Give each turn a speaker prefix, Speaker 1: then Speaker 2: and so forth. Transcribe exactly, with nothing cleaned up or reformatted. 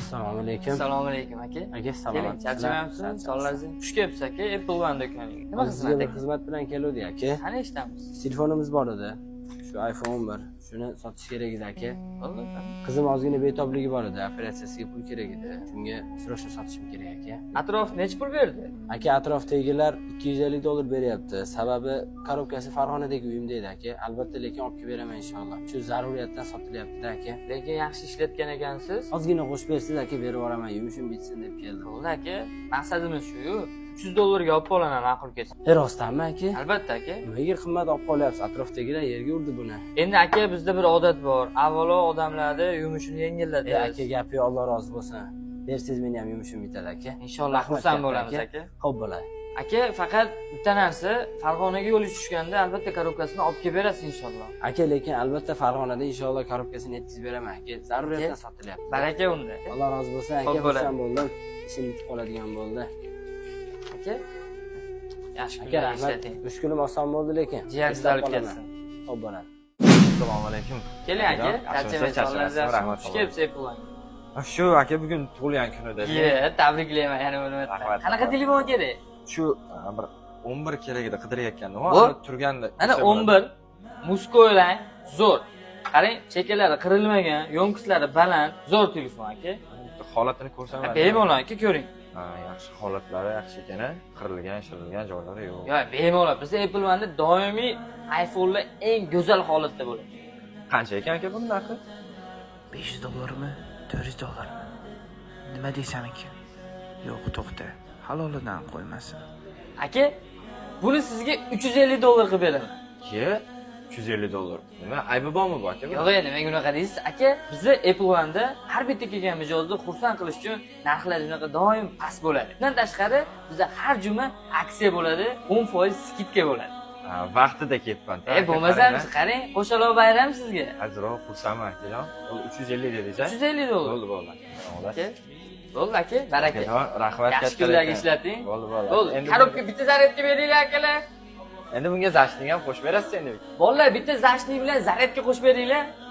Speaker 1: Assalomu alaykum.
Speaker 2: Assalomu alaykum aka.
Speaker 1: Aka salom.
Speaker 2: Keling, charchamayapsizmi? Sonlaringiz xush kelibsiz aka. Apple One do'koniga. Nima xizmat
Speaker 1: Sizga bir
Speaker 2: aka?
Speaker 1: xizmat bilan keldik aka.
Speaker 2: Qani eshitamiz?
Speaker 1: Telefonimiz bor edi. Shu iPhone o'n bir. Shuni sotish kerak edi aka.
Speaker 2: Bo'ldi.
Speaker 1: Qizim ozgina betobligi bor edi. Operatsiyasiga pul kerak edi. Shunga srochno sotishim kerak aka.
Speaker 2: Atrof necha pul berdi?
Speaker 1: Aka atrofdagilar ikki yuz ellik dollar beryapti. Sababi korobkasi Farg'onadagi uyimda edi aka. Albatta lekin olib kelib beraman inshaalloh. Shu zaruriyatdan sotilyapti-da aka.
Speaker 2: Lekin yaxshi ishlatgan ekansiz.
Speaker 1: Ozgina qo'shib bersiz aka, berib yuboraman. Yumushim bitsin deb keldim.
Speaker 2: Bo'ldi aka. Maqsadimiz shu-yu. uch yuz dollarga olib qolaman ma'qul kelsa.
Speaker 1: E rostdanmi aka?
Speaker 2: Albatta aka.
Speaker 1: Nimaga qimmat olib qolyapsiz? Atrofdagilar yerga urdi buni.
Speaker 2: Endi aka bizda bir odat bor. Avvalo odamlarni yumushini yengillatadi.
Speaker 1: E aka gapi Alloh rozi bo'lsin. Bersiz meni ham yumushim bitadi aka.
Speaker 2: Inshaalloh xursand bo'lamiz aka.
Speaker 1: Xo'p bo'ladi.
Speaker 2: Aka faqat bitta narsa, Farg'onaga yo'l tushganda albatta korobkasini olib kelib berasiz inshaalloh.
Speaker 1: Aka lekin albatta Farg'onada inshaalloh korobkasini yetkazib beraman aka. Zaruriyatdan sotilyapti.
Speaker 2: Baraka unda.
Speaker 1: Alloh rozi bo'lsin aka. Xursand bo'ldim. Ishim bitib qoladigan bo'ldi.
Speaker 2: Aka yaxshi
Speaker 1: aka rahmat. uch kunim oson bo'ldi lekin.
Speaker 2: Jiyansiz olib kelsin.
Speaker 1: Xo'p bo'ladi.
Speaker 3: Assalomu alaykum.
Speaker 2: Keling aka, charchamaysiz. Xush kelibsiz Apple One.
Speaker 3: Shu aka bugun tug'ilgan kunida.
Speaker 2: Ye, tabriklayman yana bo'lmayapti. Qanaqa telefon kerak?
Speaker 3: Shu bir o'n bir kerak edi, qidirayotgandim.
Speaker 2: Bor.
Speaker 3: Turganda.
Speaker 2: Ana o'n bir muskoylang, zo'r. Qarang, chekalari qirilmagan, yo'nqislari baland, zo'r telefon aka.
Speaker 3: Holatini ko'rsam.
Speaker 2: Bemalol aka ko'ring.
Speaker 3: Ha, yaxshi holatlari yaxshi ekan, qirilgan, shirilgan joylari yo'q.
Speaker 2: Yo'q, bemalol. Biz Apple One'da doimiy iPhone'lar eng go'zal holatda bo'ladi.
Speaker 3: Qancha ekan aka buning narxi?
Speaker 4: besh yuz dollarmi? to'rt yuz dollarmi? Nima deysan aka? Yo'q, to'xta. Halolidan qo'ymasin.
Speaker 2: Aka, buni sizga uch yuz ellik dollar qilib beraman.
Speaker 3: Ye, uch yuz ellik dollar. Nima, aybi bormi bu aka?
Speaker 2: Yo'q, endi men unaqa deysiz. Aka, bizni Apple One'da har bitta kelgan mijozni xursand qilish uchun narxlar unaqa doim past bo'ladi. Bundan tashqari, bizda har juma aksiya bo'ladi, o'n foiz skidka bo'ladi.
Speaker 3: Ha, vaqtida ketman.
Speaker 2: E, bo'lmasam, qarang, qo'shaloq bayram sizga.
Speaker 3: Azroq xursandman akajon. uch yuz ellik dedingiz-a?
Speaker 2: uch yuz ellik dollar.
Speaker 3: Bo'ldi, bo'ldi.
Speaker 2: Aka, bo'ldi aka, baraka.
Speaker 3: Rahmat katta.
Speaker 2: Yaxshi kunlarga ishlating.
Speaker 3: Bo'ldi, bo'ldi.
Speaker 2: Bo'ldi. Korobka bitta zaryadka beringlar akalar.
Speaker 3: Endi bunga zashning ham qo'shib berasiz endi.
Speaker 2: Bolalar bitta zashning bilan zaryadka qo'shib beringlar.